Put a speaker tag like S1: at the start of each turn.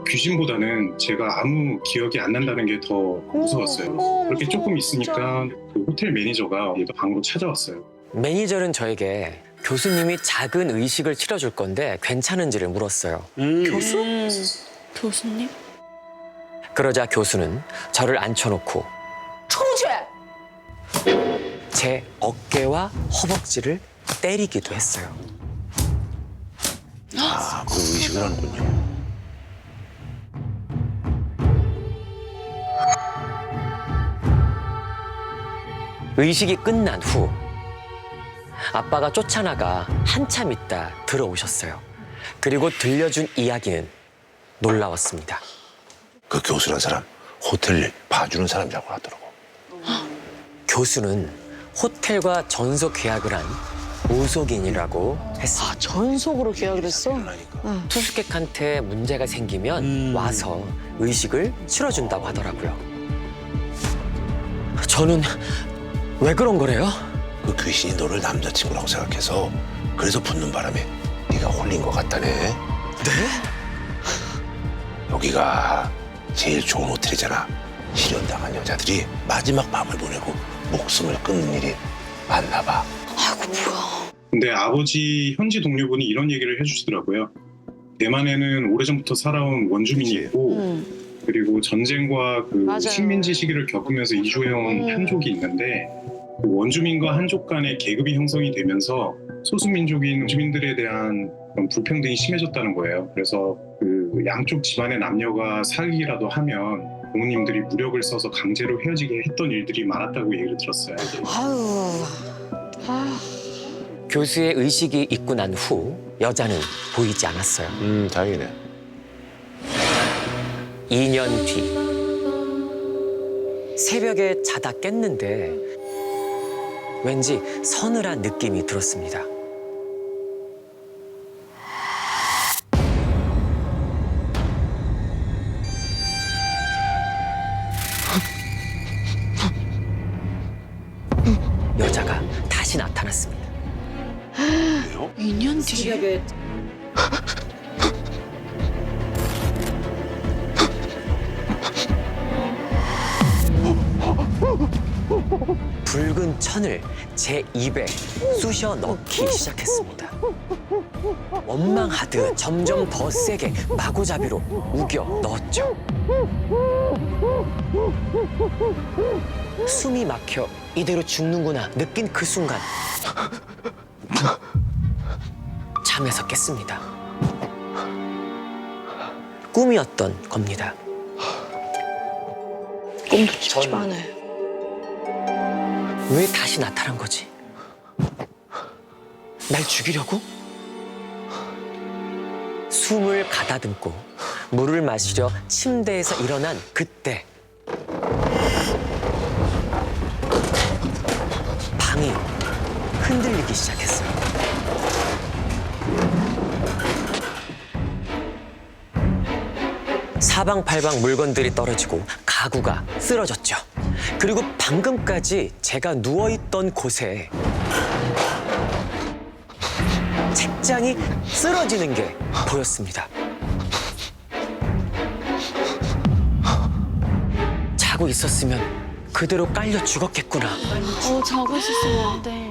S1: 귀신보다는 제가 아무 기억이 안 난다는 게 더 무서웠어요. 그렇게 조금 있으니까 그 호텔 매니저가 얘가 방으로 찾아왔어요.
S2: 매니저는 저에게 교수님이 작은 의식을 치러줄 건데 괜찮은지를 물었어요.
S3: 교수님?
S2: 그러자 교수는 저를 앉혀놓고 제 어깨와 허벅지를 때리기도 했어요.
S4: 아, 그 의식을 하는군요.
S2: 의식이 끝난 후 아빠가 쫓아나가 한참 있다 들어오셨어요. 그리고 들려준 이야기는 놀라웠습니다.
S4: 그 교수란 사람 호텔 봐주는 사람이라고 하더라고.
S2: 교수는 호텔과 전속 계약을 한 오속인이라고 했습니다.
S3: 아, 전속으로 계약을 했어?
S4: 그러니까.
S2: 투숙객한테 문제가 생기면 와서 의식을 치러준다고 하더라고요. 저는 왜 그런 거래요?
S4: 그 귀신이 너를 남자친구라고 생각해서 그래서 붙는 바람에 네가 홀린 것 같다네.
S2: 네?
S4: 여기가 제일 좋은 호텔이잖아. 실연당한 여자들이 마지막 밤을 보내고 목숨을 끊는 일이 많나 봐.
S3: 아이고, 뭐야.
S1: 근데 아버지 현지 동료분이 이런 얘기를 해주시더라고요. 대만에는 오래전부터 살아온 원주민이
S4: 그치.
S1: 있고 그리고 전쟁과 그
S3: 맞아요.
S1: 식민지 시기를 겪으면서 이주해온 한족이 있는데 그 원주민과 한족 간의 계급이 형성이 되면서 소수민족인 주민들에 대한 그런 불평등이 심해졌다는 거예요. 그래서 그 양쪽 집안의 남녀가 사귀기라도 하면 부모님들이 무력을 써서 강제로 헤어지게 했던 일들이 많았다고 얘기를 들었어요.
S3: 아유. 아,
S2: 교수의 의식이 있고 난 후 여자는 보이지 않았어요.
S4: 다행이네.
S2: 2년 뒤 새벽에 자다 깼는데 왠지 서늘한 느낌이 들었습니다. 여자가 다시 나타났습니다.
S3: 2년 뒤에?
S2: 붉은 천을 제 입에 쑤셔 넣기 시작했습니다. 원망하듯 점점 더 세게 마구잡이로 우겨 넣었죠. 숨이 막혀 이대로 죽는구나 느낀 그 순간 잠에서 깼습니다. 꿈이었던 겁니다.
S3: 꿈도 찝찝하네.
S2: 왜 다시 나타난 거지? 날 죽이려고? 숨을 가다듬고 물을 마시려 침대에서 일어난 그때 방이 흔들리기 시작했어요. 사방팔방 물건들이 떨어지고 가구가 쓰러졌죠. 그리고 방금까지 제가 누워있던 곳에 책장이 쓰러지는 게 보였습니다. 자고 있었으면 그대로 깔려 죽었겠구나.
S3: 자고 있었으면 안 돼.